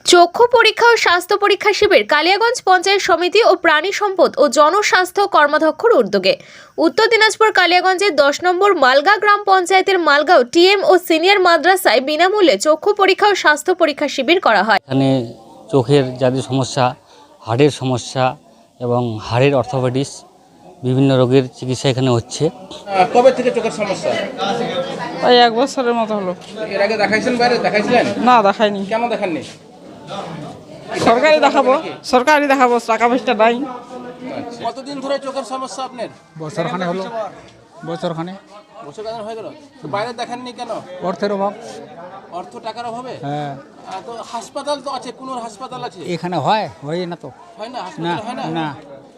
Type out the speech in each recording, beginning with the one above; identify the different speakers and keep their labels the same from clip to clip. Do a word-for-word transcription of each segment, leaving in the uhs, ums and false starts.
Speaker 1: চক্ষু পরীক্ষা ও স্বাস্থ্য পরীক্ষা শিবির কালিয়াগঞ্জ পঞ্চায়েত সমিতি ও প্রাণী সম্পদ ও জনস্বাস্থ্য কর্মাধ্যক্ষর উদ্যোগে উত্তর দিনাজপুর কালিয়াগঞ্জের দশ নম্বর মালগা গ্রাম পঞ্চায়েতের মালগাঁও টিএম ও সিনিয়র মাদ্রাসায় বিনামূল্যে চক্ষু পরীক্ষা ও স্বাস্থ্য পরীক্ষা শিবির করা হয়।
Speaker 2: এখানে চোখের যাদের সমস্যা, হাড়ের সমস্যা এবং হাড়ের অর্থোপেডিক্স বিভিন্ন রোগের চিকিৎসা এখানে হচ্ছে।
Speaker 3: কবে থেকে চোখের সমস্যা?
Speaker 4: ওই এক বছরের মতো হলো।
Speaker 3: এর আগে দেখাইছেন বাইরে? দেখাইছিলেন?
Speaker 4: না, দেখাইনি।
Speaker 3: কেন দেখাননি?
Speaker 4: সরকারি দেখাবো, সরকারি দেখাবো, টাকা পয়সা নাই।
Speaker 3: কতদিন ধরে চোখের সমস্যা আপনার?
Speaker 5: বছরখানে হলো বছরখানে
Speaker 3: বছর কাজ হয়ে গেল। তো বাইরে দেখাননি কেন?
Speaker 5: অর্থের অভাব।
Speaker 3: অর্থ টাকার অভাবে?
Speaker 5: হ্যাঁ,
Speaker 3: আহ, তো হাসপাতাল তো আছে, কোন হাসপাতাল আছে?
Speaker 5: এখানে হয় হয় না তো।
Speaker 3: হয় না?
Speaker 5: না
Speaker 3: হাসপাতাল হয় না?
Speaker 5: না,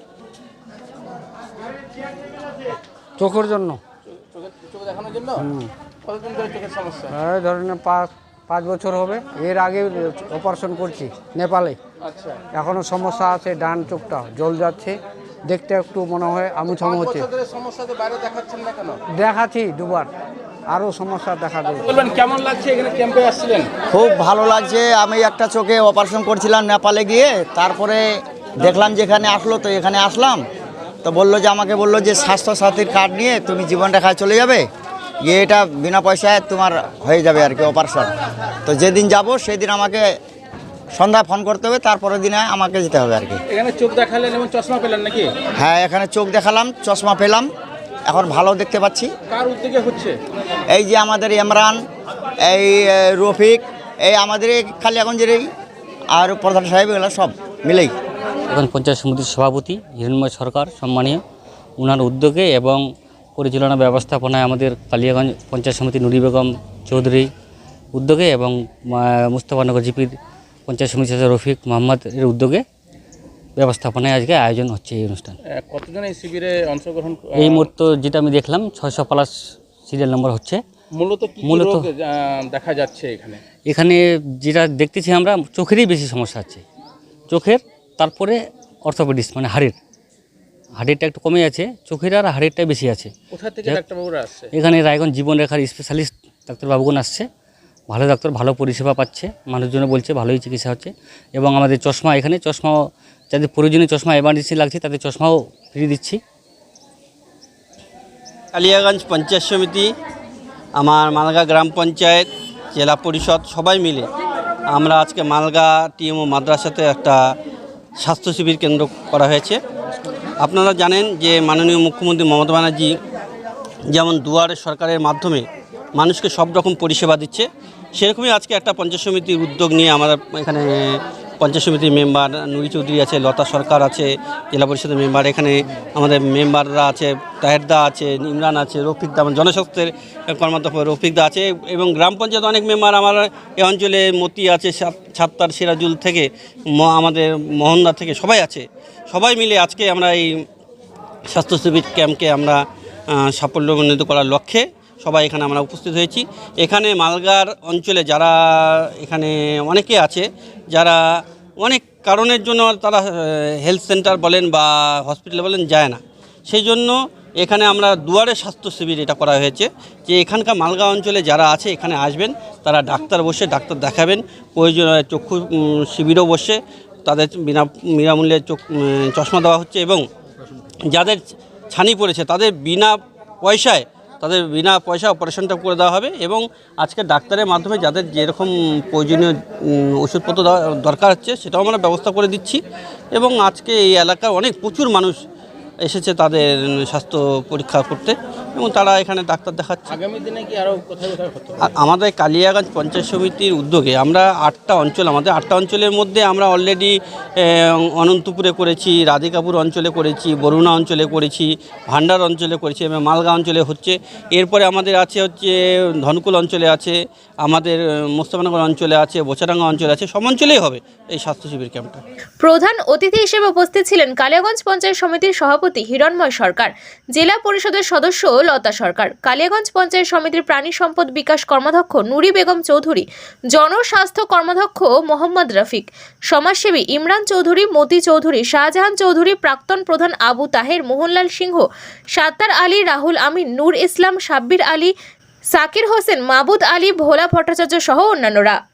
Speaker 5: চোখের জন্য
Speaker 3: চোখে চোখে দেখানোর জন্য? কতদিন ধরে চোখের সমস্যা?
Speaker 5: এই ধরেন পাঁচ পাঁচ বছর হবে। এর আগে অপারেশন করছি নেপালে।
Speaker 3: আচ্ছা,
Speaker 5: এখনো সমস্যা আছে, ডান চোখটা জল যাচ্ছে, দেখতে একটু মনে হয় আমুছামু
Speaker 3: পাঁচ
Speaker 5: হচ্ছে।
Speaker 3: বছর ধরে সমস্যাতে বাইরে দেখাচ্ছেন না কেন?
Speaker 5: দেখাচ্ছি দুবার, আরও সমস্যা দেখা দেবে।
Speaker 3: বলবেন কেমন লাগছে এখানে ক্যাম্পে আসছিলেন?
Speaker 6: খুব ভালো লাগছে। আমি একটা চোখে অপারেশন করছিলাম নেপালে গিয়ে, তারপরে দেখলাম যে এখানে আসলো, তো এখানে আসলাম। তো বললো যে আমাকে বললো যে স্বাস্থ্য সাথীর কার্ড নিয়ে তুমি জীবন রেখায় চলে যাবে, গিয়ে এটা বিনা পয়সায় তোমার হয়ে যাবে আর কি অপারেশন। তো যেদিন যাব সেদিন আমাকে সন্ধ্যায় ফোন করতে হবে, তারপরের দিনে আমাকে যেতে হবে আর কি।
Speaker 3: এখানে চোখ দেখালেন এবং চশমা পেলেন নাকি?
Speaker 6: হ্যাঁ, এখানে চোখ দেখালাম, চশমা পেলাম, এখন ভালো দেখতে পাচ্ছি।
Speaker 3: কার উদ্যোগে হচ্ছে?
Speaker 6: এই যে আমাদের ইমরান, এই এ, রফিক, এই আমাদের এই কালিয়াগঞ্জের এই আর প্রধান সাহেব, এগুলো সব মিলেই।
Speaker 2: এখন পঞ্চায়েত সমিতির সভাপতি হিরণময় সরকার সম্মানীয়, ওনার উদ্যোগে এবং পরিচালনা ব্যবস্থাপনায় আমাদের কালিয়াগঞ্জ পঞ্চায়েত সমিতি নুরি বেগম চৌধুরী উদ্যোগে এবং মুস্তফানগর জিপির পঞ্চায়েত সমিতি সদস্য রফিক মোহাম্মদ এর উদ্যোগে ব্যবস্থাপনায় আজকে আয়োজন হচ্ছে এই অনুষ্ঠান।
Speaker 3: আহ, কতজন এই শিবিরে অংশগ্রহণ?
Speaker 2: এই মুহূর্তে যেটা আমি দেখলাম ছয়শো প্লাস সিরিয়াল নম্বর হচ্ছে।
Speaker 3: মূলত কি কি
Speaker 2: মূলত-
Speaker 3: রোগ আহ, দেখা যাচ্ছে এখানে?
Speaker 2: এখানে যেটা দেখতেছি আমরা, চোখেরই বেশি সমস্যা আছে, চোখের, তারপরে অর্থোপেডিক্স মানে হাড়ের হাড়েরটা একটু কমে আছে, চোখের আর হাড়েরটাই বেশি আছে।
Speaker 3: কোথা থেকে
Speaker 2: যাক-
Speaker 3: ডাক্তারবাবুরা আসছে?
Speaker 2: এখানে রায়গঞ্জ জীবনরেখার স্পেশালিস্ট ডাক্তারবাবুগণ আসছে, ভালো ডাক্তার, ভালো পরিষেবা পাচ্ছে, মানুষজন বলছে ভালোই চিকিৎসা হচ্ছে। এবং আমাদের চশমা, এখানে চশমাও যাদের প্রয়োজনীয় চশমা এমার্জেন্সি লাগছে তাদের চশমাও ফ্রি দিচ্ছি।
Speaker 7: কালিয়াগঞ্জ পঞ্চায়েত সমিতি, আমার মালগা গ্রাম পঞ্চায়েত, জেলা পরিষদ সবাই মিলে আমরা আজকে মালগা টিএম ও মাদ্রাসাতে একটা স্বাস্থ্য শিবির কেন্দ্র করা হয়েছে। আপনারা জানেন যে মাননীয় মুখ্যমন্ত্রী মমতা ব্যানার্জি যেমন দুয়ারে সরকারের মাধ্যমে মানুষকে সব রকম পরিষেবা দিচ্ছে, সেরকমই আজকে একটা পঞ্চায়েত সমিতির উদ্যোগ নিয়ে আমাদের এখানে পঞ্চায়েত সমিতির মেম্বার নুরি চৌধুরী আছে, লতা সরকার আছে, জেলা পরিষদের মেম্বার, এখানে আমাদের মেম্বাররা আছে, তাহেরদা আছে, ইমরান আছে, রফিকদা, আমার জনস্বাস্থ্যের কর্মাধ্যক্ষ রফিকদা আছে, এবং গ্রাম পঞ্চায়েত অনেক মেম্বার আমার এই অঞ্চলে মতি আছে, ছাত্তার সিরাজুল থেকে ম- আমাদের মোহনদা থেকে সবাই আছে। সবাই মিলে আজকে আমরা এই স্বাস্থ্য শিবির ক্যাম্পকে আমরা আহ, সাফল্যমণ্ডিত করার লক্ষ্যে সবাই এখানে আমরা উপস্থিত হয়েছি। এখানে মালগার অঞ্চলে যারা এখানে অনেকে আছে, যারা অনেক কারণের জন্য তারা হেলথ সেন্টার বলেন বা হসপিটালে বলেন যায় না, সেই জন্য এখানে আমরা দুয়ারে স্বাস্থ্য শিবির এটা করা হয়েছে, যে এখানকার মালগা অঞ্চলে যারা আছে এখানে আসবেন, তারা ডাক্তার বসে ডাক্তার দেখাবেন, প্রয়োজন চক্ষু উম, শিবিরও বসে তাদের বিনা বিনামূল্যে চোখ উম, চশমা দেওয়া হচ্ছে, এবং যাদের ছানি পড়েছে তাদের বিনা পয়সায় তাদের বিনা পয়সা অপারেশনটা করে দেওয়া হবে। এবং আজকে ডাক্তারের মাধ্যমে যাদের যেরকম প্রয়োজনীয় উম, ওষুধপত্র দেওয়া দরকার হচ্ছে সেটাও আমরা ব্যবস্থা করে দিচ্ছি। এবং আজকে এই এলাকার অনেক প্রচুর মানুষ এসেছে তাদের স্বাস্থ্য পরীক্ষা করতে, এবং তারা এখানে ডাক্তার দেখাচ্ছে।
Speaker 3: আগামী দিনে কি আরো কোথায় কোথায় হতো?
Speaker 7: আর আমাদের কালিয়াগঞ্জ পঞ্চায়েত সমিতির উদ্যোগে আমরা আটটা অঞ্চল, আমাদের আটটা অঞ্চলের মধ্যে আমরা অলরেডি অনন্তপুরে করেছি, রাধিকাপুর অঞ্চলে করেছি, বরুণা অঞ্চলে করেছি, ভান্ডার অঞ্চলে করেছি, এবং মালগা অঞ্চলে হচ্ছে। এরপরে আমাদের আছে হচ্ছে ধনকুল অঞ্চলে আছে, আমাদের মোস্তাফানগর অঞ্চলে আছে, বোচাডাঙ্গা অঞ্চলে আছে, সব অঞ্চলেই হবে এই স্বাস্থ্য শিবির ক্যাম্পটা।
Speaker 1: প্রধান অতিথি হিসেবে উপস্থিত ছিলেন কালিয়াগঞ্জ পঞ্চায়েত সমিতির সভাপতি হিরণময় সরকার, জেলা পরিষদের সদস্য লতা সরকার, কালিয়াগঞ্জ পঞ্চায়েত সমিতির প্রাণী সম্পদ বিকাশ কর্মাধ্যক্ষ নুরি বেগম চৌধুরী, জনস্বাস্থ্য কর্মাধ্যক্ষ মোহাম্মদ রফিক, সমাজসেবী ইমরান চৌধুরী, মতি চৌধুরী, শাহজাহান চৌধুরী, প্রাক্তন প্রধান আবু তাহের, মোহনলাল সিংহ, সাত্তার আলী, রাহুল আমিন, নূর ইসলাম, সাব্বির আলী, সাকির হোসেন, মাবুদ আলী, ভোলা ভট্টাচার্য সহ অন্যান্যরা।